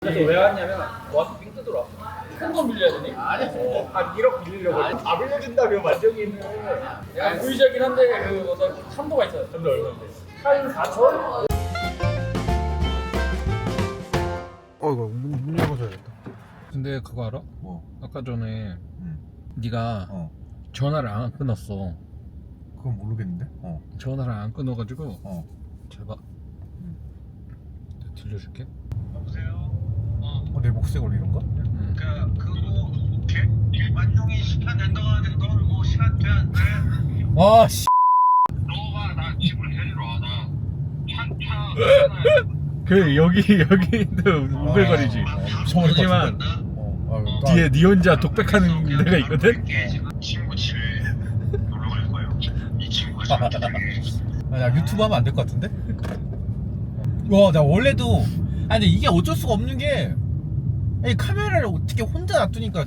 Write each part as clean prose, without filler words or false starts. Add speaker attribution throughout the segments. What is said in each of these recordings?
Speaker 1: 그래서 왜 왔냐면 너한테 빙 뜯으러 왔어. 큰 건 빌려야 되니? 아니 한 1억 빌리려고. 다 빌려준다며 만정이는. 야 보이자긴 한데 그 어떤 한도가 있어요. 한도 얼마인데? 한 4천?
Speaker 2: 이거 문 열어줘야겠다.
Speaker 3: 근데 그거 알아?
Speaker 2: 뭐?
Speaker 3: 아까 전에
Speaker 2: 응.
Speaker 3: 네가
Speaker 2: 어.
Speaker 3: 전화를 안 끊었어.
Speaker 2: 그건 모르겠는데?
Speaker 3: 전화를 안 끊어가지고 잘 봐. 내가 들려줄게.
Speaker 4: 여보세요?
Speaker 2: 내 목소리 걸리는 거?
Speaker 4: 그거 일반용이 시간 된다고 하는데 너는 뭐 시간 돼 안 돼?
Speaker 2: 와 씨.
Speaker 4: 너가 나 집을 데리러 와. 나 차
Speaker 3: 그 여기도 우글거리지. 하지만 뒤에 네 혼자 독백하는 데가 있거든.
Speaker 4: 지금 친구 집에 놀러 갈 거예요. 이 친구가 잘못하게.
Speaker 2: 나 유튜브 하면 안 될 것 같은데? 와, 나 원래도 근데 이게 어쩔 수가 없는 게 이 카메라를 어떻게 혼자 놔두니까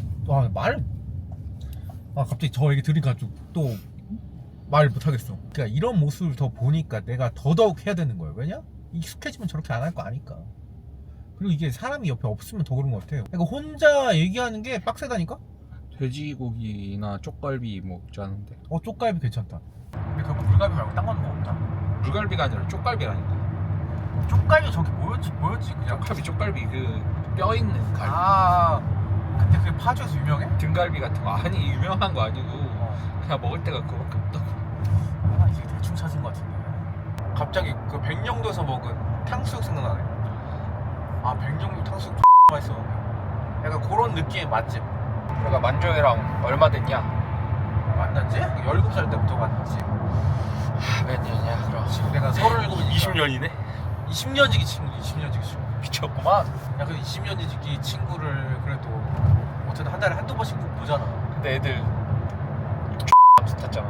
Speaker 2: 갑자기 저 얘기 들으니까 좀 또 말 못하겠어. 그러니까 이런 모습을 더 보니까 내가 더더욱 해야 되는 거예요. 왜냐? 익숙해지면 저렇게 안 할 거 아니까. 그리고 이게 사람이 옆에 없으면 더 그런 것 같아요. 그러니까 혼자 얘기하는 게 빡세다니까?
Speaker 3: 돼지고기나 쪽갈비 먹지 않은데.
Speaker 2: 쪽갈비 괜찮다. 근데 그 물갈비 말고 딴 거는 뭐 없나?
Speaker 3: 물갈비가 아니라 쪽갈비라니까.
Speaker 2: 쪽갈비 저기 뭐였지 그냥.
Speaker 3: 쪽갈비 그 뼈 있는 갈비.
Speaker 2: 근데 그게 파주에서 유명해?
Speaker 3: 등갈비 같은 거. 아니 유명한 거 아니고 그냥 먹을 때가 그거밖에 없다고.
Speaker 2: 이게 대충 찾은 것 같은데. 갑자기 그 백령도에서 먹은 탕수육 생각나네. 백령도 탕수육 맛있었는데. 약간 그런 느낌의 맛집.
Speaker 3: 내가 만조이랑 얼마 됐냐?
Speaker 2: 만났지? 17살 때부터 만났지.
Speaker 3: 몇 년이야 그럼?
Speaker 2: 지금 내가 37이니까
Speaker 3: 20년이네?
Speaker 2: 20년지기 친구. 미쳤구만. 야, 그 20년지기 친구를 그래도 어쨌든 한 달에 한두 번씩 보잖아.
Speaker 3: 근데 애들 비슷했잖아.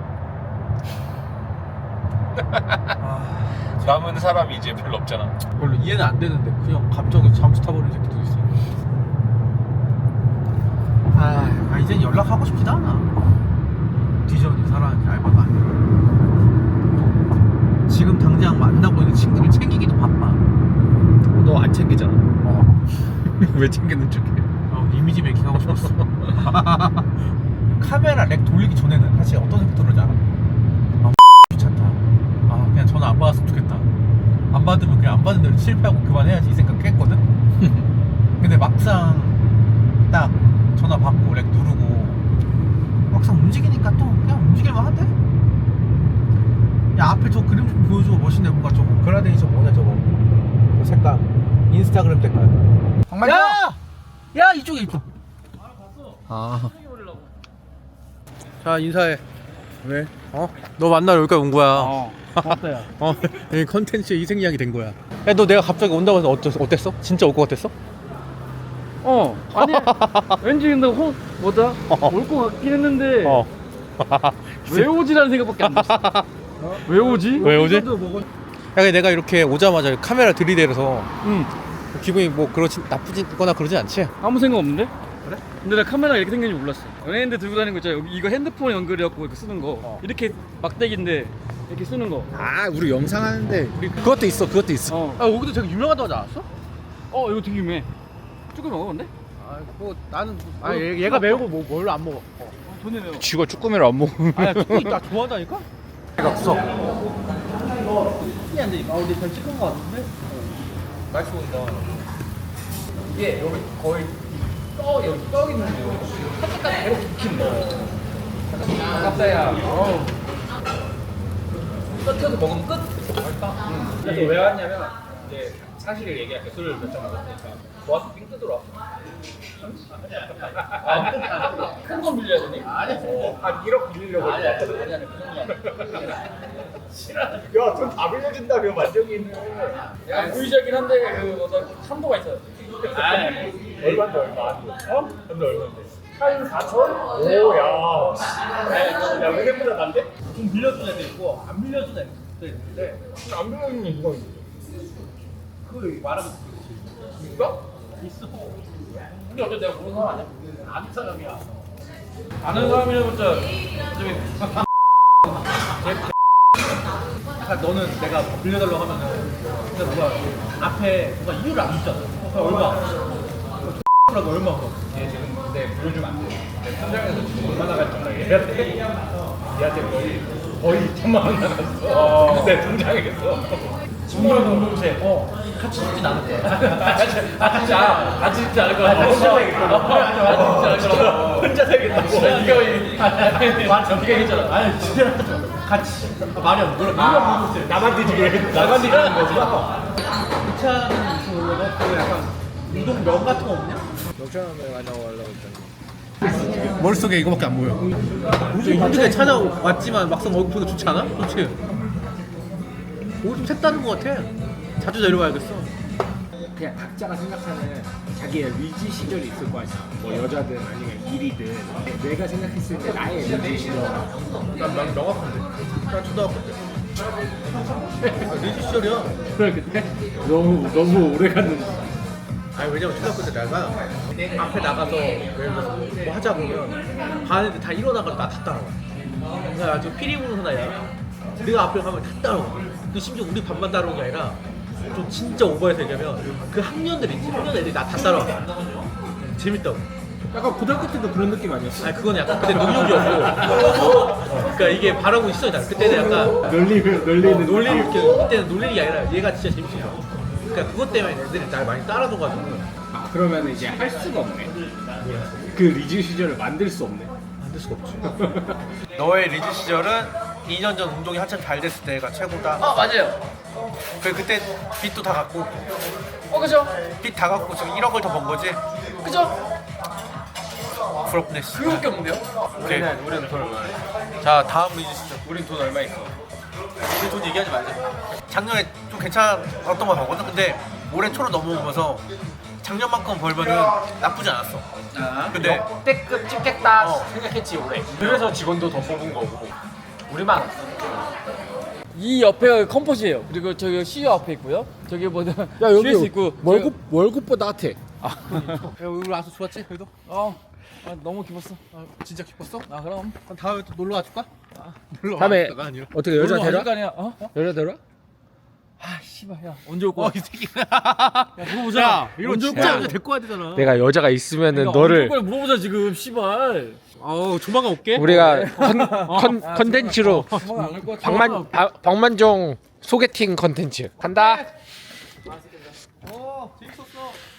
Speaker 3: 남은 사람이 이제 별로 없잖아.
Speaker 2: 별로 이해는 안 되는데 그냥 갑자기 잠수 타버리는 새끼도 있어. 이젠 연락하고 싶지도 않아. 뒤전이 사람한테 알바가 아니라. 지금 당장 만나고 있는 친구를 챙기기도 바빠.
Speaker 3: 너 안 챙기잖아. 왜 챙기는 척해?
Speaker 2: 이미지 메이킹 하고 싶었어. 카메라 렉 돌리기 전에는 사실 어떤 생각 들었지 알아? 귀찮다. 그냥 전화 안 받았으면 좋겠다. 안 받으면 그냥 안 받은 대로 실패하고 그만해야지 이 생각 했거든? 근데 막상 딱 전화 받고 렉 누르고 막상 움직이니까 또 그냥 움직일만 한데? 야, 앞에 저 그림 좀 보여줘. 멋있네. 뭔가 저거 그라데이션 뭐냐 저거 저 색깔 인스타그램 색깔. 야 이쪽에. 자, 인사해. 왜? 너 만나러 여기까지 온 거야.
Speaker 1: 고맙다 야.
Speaker 2: 이 컨텐츠의 희생양이 된 거야. 야, 너 내가 갑자기 온다고 해서 어땠어? 진짜 올 것 같았어?
Speaker 1: 아니 왠지 근데 올 것 같긴 했는데 왜 오지라는 생각밖에 안 들었어. 왜 오지?
Speaker 2: 왜 오지? 야, 근데 내가 이렇게 오자마자 카메라 들이대서 기분이 뭐 나쁘거나 그러진 않지?
Speaker 1: 아무 생각 없는데? 그래? 근데 나 카메라 이렇게 생긴지 몰랐어. 연예인들 들고 다니는 거 있잖아. 여기 이거 핸드폰 연결해갖고 이렇게 쓰는 거. 이렇게 막대기인데 이렇게 쓰는 거.
Speaker 2: 우리 영상 하는데 그것도 있어. 여기도 되게 유명하다고 하지 않았어?
Speaker 1: 이거 되게 유명해. 조금 먹었는데?
Speaker 2: 나는 얘가 매운 거 뭘로 안 먹어.
Speaker 1: 돈이 매워.
Speaker 3: 쥐가 쭈꾸미를 안 먹으면
Speaker 2: 나 좋아한다니까? 내가 없어. 안 되니까. 근데 잘 찍은 거 같은데? 맛있어 보인다.
Speaker 1: 이게 여기 거의 여기 떡 있는데 살짝까지 계속 익힌 거. 아깝다야. 끝에서 먹으면 끝. 맛있다. 그래서 왜 왔냐면 이제 사실을 얘기할게. 술을 몇 잔 먹었으니까 너한테 빙 뜯으러 왔어. 큰 건 빌려야 되니? 아니 한 1억 빌리려고 왔거든. 아니 그 정도
Speaker 5: 야, 돈 다 빌려준다며 만정이는.
Speaker 1: 야 보이자긴 한데 그 어떤 한도가 있어요.
Speaker 5: 얼마인데 얼마? 근데 얼마인데? 한 4천? 오, 야. 야, 은행보다 난데?
Speaker 2: 좀 빌려준 애도 있고 안 빌려준 애도 있는데
Speaker 5: 안 빌려주면 누가 있어?
Speaker 2: 그 말하면
Speaker 5: 누가?
Speaker 2: 있어.
Speaker 1: 근데 어차피 내가 모르는 사람 아니야?
Speaker 2: 아는 사람이야.
Speaker 1: 아는 사람이라봤자
Speaker 2: 약간 너는 내가 빌려달라고 하면은 근데 누가 앞에 누가 이유를 안 묻잖아. 얼마? 라고 얼마?
Speaker 1: 얘 지금 근데 보여주면 안 돼. 내 현장에서 지금 얼마나 갈줄 알아? 얘한테 거의 1,000만 원 나갔어. 내 통장에서. 친구랑 공동체. 같이 죽진 않을 거야. 같이 죽지 않을 거야. 혼자 살겠다. 같이 죽지 않을 거야. 혼자 살겠다. 이거 말 저렇게 했잖아. 아니 진짜 같이 말이 안 들어. 나만 뒤지게 해. 나만 뒤지는 거구나.
Speaker 2: 차는 무슨 올라가? 그 약간 우동면 같은 거 없냐? 머릿속에 이거밖에 안 보여. 요즘 힘들게 찾아왔지만 막상 얼굴 보니까 좋지 않아? 그렇지? 오늘 좀 색다른 거 같아. 자주 내려와야겠어.
Speaker 6: 그냥 각자가 생각하는 자기의 리즈 시절이 있을 거 아니야. 뭐 여자든 아니면 일이든 내가 생각했을 때 나의 리즈 시절.
Speaker 2: 난 명확한데. 난 초등학교 때. 리즈 시절이야.
Speaker 6: 그래 근데 너무 오래 갔는데.
Speaker 2: 아니 왜냐면 초등학교 때 내가 앞에 나가서 예를 들어서 뭐 하자 보면 반 애들 다 일어나가지고 나 다 따라와. 그래서 아주 피리 부는 사나이야. 내가 앞에 가면 다 따라와. 근데 심지어 우리 반만 따라오는 게 아니라 좀 진짜 오버해서 얘기하면 그 학년들 있지. 학년 애들이 나 다 따라와. 재밌다고.
Speaker 6: 약간 고등학교 때도 그런 느낌 아니었어?
Speaker 2: 아니 그건 약간 그때 능력이었고 그러니까 이게 바라고 시절이다. 그때는 약간
Speaker 6: 놀리는
Speaker 2: 놀리를 이렇게 그때는 놀리는 게 아니라 얘가 진짜 재밌어. 그러니까 그것 때문에 애들이 날 많이 따라줘가지고
Speaker 6: 아 그러면 이제 할 수가 없네. 그 리즈 시절을 만들 수 없네.
Speaker 2: 만들 수가 없지. 너의 리즈 시절은 2년 전 운동이 한참 잘 됐을 때가 최고다.
Speaker 1: 맞아요.
Speaker 2: 그때 빚도 다 갚고
Speaker 1: 그죠?
Speaker 2: 빚 다 갚고 지금 1억을 더 번 거지.
Speaker 1: 그죠?
Speaker 2: 부럽네.
Speaker 1: 그거밖에 없는데요?
Speaker 2: 오케이.
Speaker 1: 우리는 돈 얼마?
Speaker 2: 자 다음 리즈 시절.
Speaker 1: 우린 돈 얼마 있어?
Speaker 2: 우리 돈 얘기하지 말자. 작년에 좀 괜찮았던 거 같거든. 근데 올해 초로 넘어오면서 작년만큼 벌면은 나쁘지 않았어. 근데
Speaker 1: 역대급 찍겠다
Speaker 2: 어.
Speaker 1: 생각했지 올해. 그래서 직원도 더 뽑은 거고 우리만. 이 옆에 컴포즈예요. 그리고 저기 CEO 앞에 있고요. 저기 뭐냐 CS 있고.
Speaker 6: 월급보다 핫해.
Speaker 2: 야, 우리 와서 좋았지? 그래도?
Speaker 1: 너무 기뻤어.
Speaker 2: 진짜 기뻤어?
Speaker 1: 그럼.
Speaker 2: 그럼 다음에 또 놀러 와줄까? 놀러
Speaker 6: 다음에
Speaker 2: 와줄까가 아니라.
Speaker 6: 어떻게 여자 데려?
Speaker 1: 아니야.
Speaker 6: 여자 데려?
Speaker 1: 씨발 야 언제 올 거야?
Speaker 2: 이 새끼.
Speaker 1: 야 물어보자.
Speaker 2: 야, 이거
Speaker 1: 언제 올
Speaker 2: 진짜
Speaker 1: 거야?
Speaker 2: 이제 데리고 와야 되잖아.
Speaker 6: 내가 여자가 있으면은
Speaker 1: 언제 올 거야? 물어보자 지금 씨발.
Speaker 2: 조만간 올게.
Speaker 6: 우리가 컨텐츠로
Speaker 1: 조만간 안올 거야.
Speaker 6: 박만종 소개팅 컨텐츠 간다.
Speaker 2: 재밌었어.